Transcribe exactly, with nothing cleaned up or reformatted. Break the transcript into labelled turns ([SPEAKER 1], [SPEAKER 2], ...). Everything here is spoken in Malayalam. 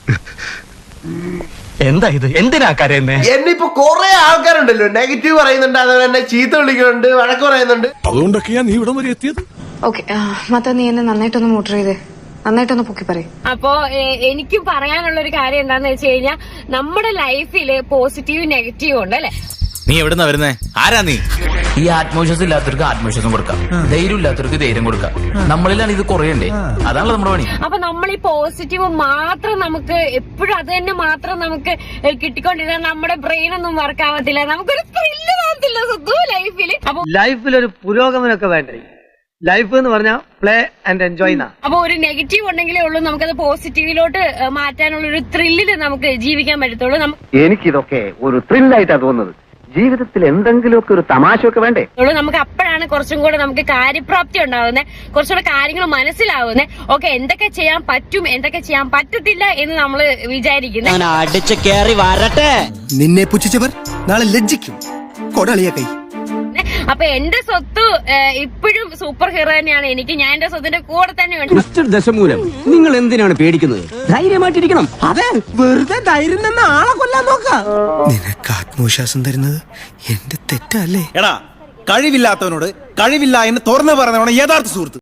[SPEAKER 1] എന്താ ഇത്? എന്തിനാ കരയുന്നേ?
[SPEAKER 2] എന്നെ ഇപ്പൊ കൊറേ ആൾക്കാരുണ്ടല്ലോ നെഗറ്റീവ് പറയുന്നുണ്ട്, അതുപോലെ തന്നെ ചീത്ത വിളിക്കുന്നുണ്ട്, വഴക്ക് പറയുന്നുണ്ട്.
[SPEAKER 3] അതുകൊണ്ടൊക്കെയാ നീ ഇവിടം വരെ എത്തിയത്.
[SPEAKER 4] ഓക്കെ, മത്ത നീ എന്നെ നന്നായിട്ടൊന്ന് മോട്ടർ ചെയ്തേ, നന്നായിട്ടൊന്ന് പൊക്കി പറയും.
[SPEAKER 5] അപ്പോ എനിക്ക് പറയാനുള്ള ഒരു കാര്യം എന്താന്ന് വെച്ച് കഴിഞ്ഞാൽ നമ്മുടെ ലൈഫില് പോസിറ്റീവ് നെഗറ്റീവ് ഉണ്ട് അല്ലെ.
[SPEAKER 6] നീ എവിടുന്നാ വരുന്നേ? ആരാ നീ?
[SPEAKER 7] ഈ ആത്മവിശ്വാസം ഇല്ലാത്തവർക്ക് ആത്മവിശ്വാസം കൊടുക്കാം, ധൈര്യം ഇല്ലാത്തവർക്ക് ധൈര്യം കൊടുക്കാം. നമ്മളിലാണ് ഇത് കുറയണ്ടേ, അതാണല്ലോ നമ്മുടെ പണി.
[SPEAKER 5] അപ്പൊ നമ്മൾ ഈ പോസിറ്റീവ് മാത്രം നമുക്ക് എപ്പോഴും അത് തന്നെ മാത്രം നമുക്ക് കിട്ടിക്കൊണ്ടിരുന്നാൽ നമ്മുടെ ബ്രെയിൻ ഒന്നും വർക്ക് ആവത്തില്ല, നമുക്കൊരു ത്രില്ല് ആവത്തില്ല സ്വന്തം ലൈഫിൽ. അപ്പൊ
[SPEAKER 8] ലൈഫിൽ ഒരു പുരോഗമനമൊക്കെ വേണ്ടേ? ലൈഫ് എന്ന് പറഞ്ഞാൽ പ്ലേ ആൻഡ് എൻജോയ്.
[SPEAKER 5] അപ്പൊ ഒരു നെഗറ്റീവ് ഉണ്ടെങ്കിലേ ഉള്ളൂ നമുക്കത് പോസിറ്റീവിലോട്ട് മാറ്റാനുള്ള ഒരു ത്രില്ലില് നമുക്ക് ജീവിക്കാൻ പറ്റത്തുള്ളൂ.
[SPEAKER 9] എനിക്കിതൊക്കെ ഒരു ത്രില്ലായിട്ടാണ് തോന്നുന്നത്. ജീവിതത്തിൽ എന്തെങ്കിലുമൊക്കെ ഒരു തമാശയൊക്കെ വേണ്ടേ?
[SPEAKER 5] നമുക്ക് അപ്പോഴാണ് കുറച്ചും കൂടെ നമുക്ക് കാര്യപ്രാപ്തി ഉണ്ടാവുന്നത്, കുറച്ചുകൂടെ കാര്യങ്ങൾ മനസ്സിലാവുന്നത്. ഓക്കെ, എന്തൊക്കെ ചെയ്യാൻ പറ്റും, എന്തൊക്കെ ചെയ്യാൻ പറ്റത്തില്ല എന്ന് നമ്മൾ വിചാരിക്കുന്നത്.
[SPEAKER 1] അടിച്ചു കയറി വരട്ടെ.
[SPEAKER 3] നിന്നെ പുച്ഛിച്ചവർ നാളെ ലജ്ജിക്കും. കൊടളിയ കൈ.
[SPEAKER 5] അപ്പൊ എന്റെ സ്വത്ത് ഇപ്പോഴും സൂപ്പർ ഹീറോ തന്നെയാണ് എനിക്ക്. ഞാൻ എന്റെ സ്വത്തിന്റെ കൂടെ തന്നെ ഉണ്ട്.
[SPEAKER 1] മിസ്റ്റർ ദശമൂലം, നിങ്ങൾ എന്തിനാണ് പേടിക്കുന്നത്? ധൈര്യമായിട്ടിരിക്കണം. അതെ, വെറുതെ ധൈര്യം നിന്ന് ആളെ കൊല്ലാൻ നോക്കാം.
[SPEAKER 3] നിനക്ക് ആത്മവിശ്വാസം തരുന്നത് എന്റെ തെറ്റല്ലേ?
[SPEAKER 6] എടാ, കഴിവില്ലാത്തവനോട് കഴിവില്ല എന്ന് തുറന്നു പറഞ്ഞവനാണ് യഥാർത്ഥ സുഹൃത്ത്.